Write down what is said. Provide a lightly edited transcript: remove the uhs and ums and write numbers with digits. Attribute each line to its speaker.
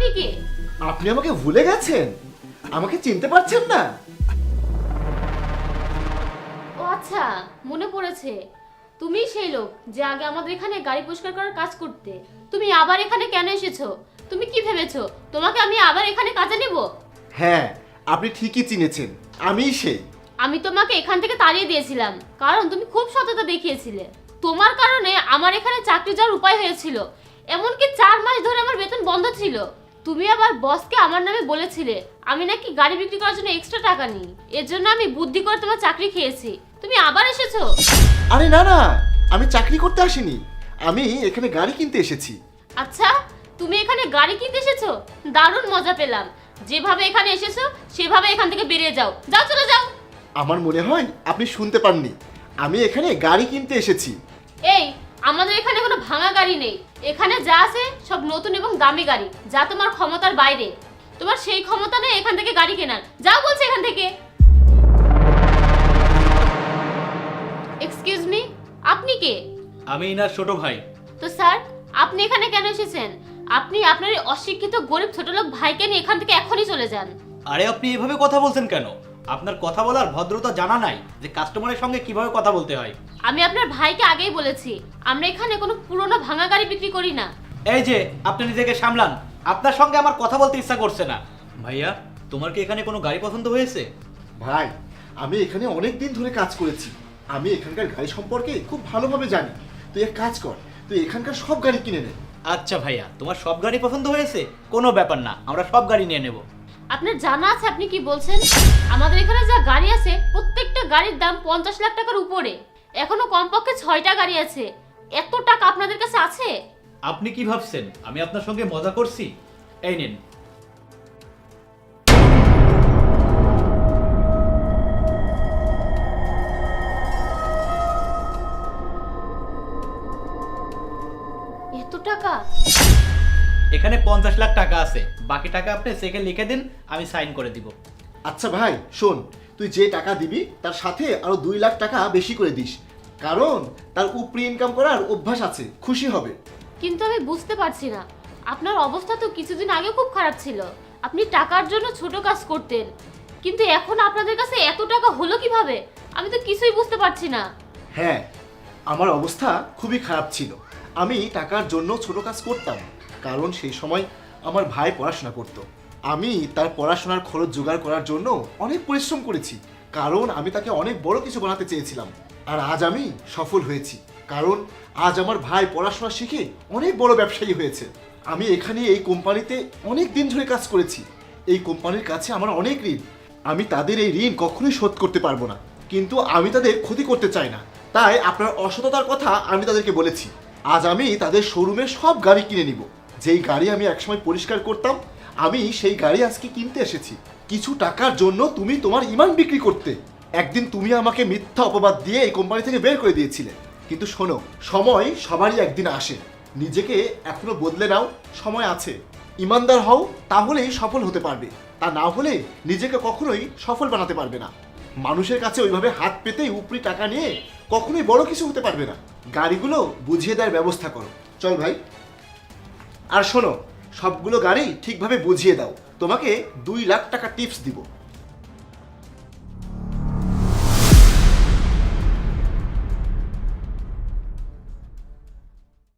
Speaker 1: আপনি কে?
Speaker 2: আপনি আমাকে ভুলে গেছেন? আমাকে চিনতে পারছেন না?
Speaker 1: ও আচ্ছা, মনে পড়েছে। তুমি সেই লোক যে আগে আমাদের এখানে গাড়ি পরিষ্কার করার কাজ করতে। তুমি আবার এখানে কেন এসেছো? তুমি কি ভেবেছো তোমাকে আমি আবার এখানে কাজে নেব?
Speaker 2: হ্যাঁ, আপনি ঠিকই চিনেছেন, আমিই সেই।
Speaker 1: আমি তোমাকে এখান থেকে তাড়িয়ে দিয়েছিলাম কারণ তুমি খুব সততা দেখিয়েছিলে। তোমার কারণে আমার এখানে চাকরি যাওয়ার উপায় হয়েছিল। এমনকি 4 মাস ধরে আমার বেতন বন্ধ ছিল। তুমি আবার বসকে আমার নামে বলেছিলে আমি নাকি গাড়ি বিক্রি করার জন্য এক্সট্রা টাকা নিই। এর জন্য আমি বুদ্ধি করে তোমার চাকরি খেয়েছি। তুমি আবার এসেছো?
Speaker 2: আরে না না, আমি চাকরি করতে আসিনি, আমি এখানে গাড়ি কিনতে এসেছি।
Speaker 1: আচ্ছা, তুমি এখানে গাড়ি কিনতে এসেছো? দারুণ মজা পেলাম। যেভাবে এখানে এসেছো সেভাবে এখান থেকে বেরিয়ে যাও। যাও, চলে যাও।
Speaker 2: আমার মনে হয় আপনি শুনতে পাননি, আমি এখানে গাড়ি কিনতে এসেছি।
Speaker 1: এই, আমাদের এখানে কোনো ভাঙা গাড়ি নেই। এখানে যা আছে সব নতুন এবং দামি গাড়ি, যা তোমার ক্ষমতার বাইরে। তোমার সেই ক্ষমতা নেই এখান থেকে গাড়ি কেনার। যাও বলছে এখান থেকে। এক্সকিউজ মি, আপনি কে?
Speaker 3: আমি ইনার ছোট ভাই।
Speaker 1: তো স্যার, আপনি এখানে কেন এসেছেন? আপনি আপনার এই অশিক্ষিত গরিব ছোটলোক ভাইকে নিয়ে এখান থেকে এখনই চলে যান।
Speaker 3: আরে আপনি এভাবে কথা বলছেন কেন? আপনার কথা বলার ভদ্রতা জানা নাই যে কাস্টমারের সঙ্গে কিভাবে কথা বলতে হয়।
Speaker 1: আমি আপনার ভাইকে আগেই বলেছি আমরা এখানে কোনো পুরনো ভাঙা গাড়ি বিক্রি করি না।
Speaker 3: এই যে আপনি নিজেকে সামলান, আপনার সঙ্গে আমার কথা বলতে ইচ্ছা করছে না। ভাইয়া, তোমার কি এখানে কোনো গাড়ি পছন্দ হয়েছে?
Speaker 2: ভাই, আমি এখানে অনেক দিন ধরে কাজ করেছি, আমি এখানকার গাড়ি সম্পর্কে খুব ভালোভাবে জানি। তুই এক কাজ কর, তুই এখানকার সব গাড়ি কিনে নে।
Speaker 3: আচ্ছা ভাইয়া, তোমার সব গাড়ি পছন্দ হয়েছে? কোনো ব্যাপার না, আমরা সব গাড়ি নিয়ে নেব।
Speaker 1: আপনার জানা আছে আপনি কি বলছেন? আমাদের এখানে যা গাড়ি আছে প্রত্যেকটা গাড়ির দাম 50 লাখ টাকার উপরে। এখনো কমপক্ষে 6টা গাড়ি আছে। এত টাকা আপনাদের কাছে আছে?
Speaker 3: আপনি কি ভাবছেন আমি আপনার সঙ্গে মজা করছি? এই নিন।
Speaker 1: এত টাকা?
Speaker 3: এখানে 50 লাখ টাকা আছে, বাকি টাকা আপনি চেকে লিখে দিন, আমি সাইন করে দিব।
Speaker 2: আচ্ছা ভাই শোন, তুই যে টাকা দিবি তার সাথে আরো 2 লাখ টাকা বেশি করে দিস, কারণ তার উপরি ইনকাম করার অভ্যাস আছে, খুশি হবে।
Speaker 1: কিন্তু আমি বুঝতে পারছি না, আপনার অবস্থা তো কিছুদিন আগে খুব খারাপ ছিল। আপনি টাকার জন্য ছোট কাজ করতেন, কিন্তু এখন আপনাদের কাছে এত টাকা হলো কিভাবে? আমি তো কিছুই বুঝতে পারছি না।
Speaker 2: হ্যাঁ, আমার অবস্থা খুবই খারাপ ছিল। আমি টাকার জন্য ছোট কাজ করতাম, কারণ সেই সময় আমার ভাই পড়াশোনা করত। আমি তার পড়াশোনার খরচ জোগাড় করার জন্য অনেক পরিশ্রম করেছি, কারণ আমি তাকে অনেক বড় কিছু বানাতে চেয়েছিলাম। আর আজ আমি সফল হয়েছি, কারণ আজ আমার ভাই পড়াশোনা শিখে অনেক বড় ব্যবসায়ী হয়েছে। আমি এখানে এই কোম্পানিতে অনেক দিন ধরে কাজ করেছি। এই কোম্পানির কাছে আমার অনেক ঋণ, আমি তাদের এই ঋণ কখনোই শোধ করতে পারবো না, কিন্তু আমি তাদের ক্ষতি করতে চাই না। তাই আপনার অসততার কথা আমি তাদেরকে বলেছি। আজ আমি তাদের শোরুমে সব গাড়ি কিনে নিব। যেই গাড়ি আমি একসময় পরিষ্কার করতাম, আমি সেই গাড়ি আজকে কিনতে এসেছি। কিছু টাকার জন্য তুমি তোমার ইমান বিক্রি করতে। একদিন তুমি আমাকে মিথ্যা অপবাদ দিয়ে এই কোম্পানি থেকে বের করে দিয়েছিলে, কিন্তু শোনো, সময় সবারই একদিন আসে। নিজেকে এখনো বদলে নাও, সময় আছে। ইমানদার হও, তাহলেই সফল হতে পারবে। তা না হলে নিজেকে কখনোই সফল বানাতে পারবে না। মানুষের কাছে ওইভাবে হাত পেতেই উপরি টাকা নিয়ে কখনোই বড় কিছু হতে পারবে না। গাড়িগুলো বুঝিয়ে দেওয়ার ব্যবস্থা করো। চল ভাই। আর শোনো, সবগুলো গাড়ি ঠিকভাবে বুঝিয়ে দাও, তোমাকে 2 লাখ টাকা টিপস দিব।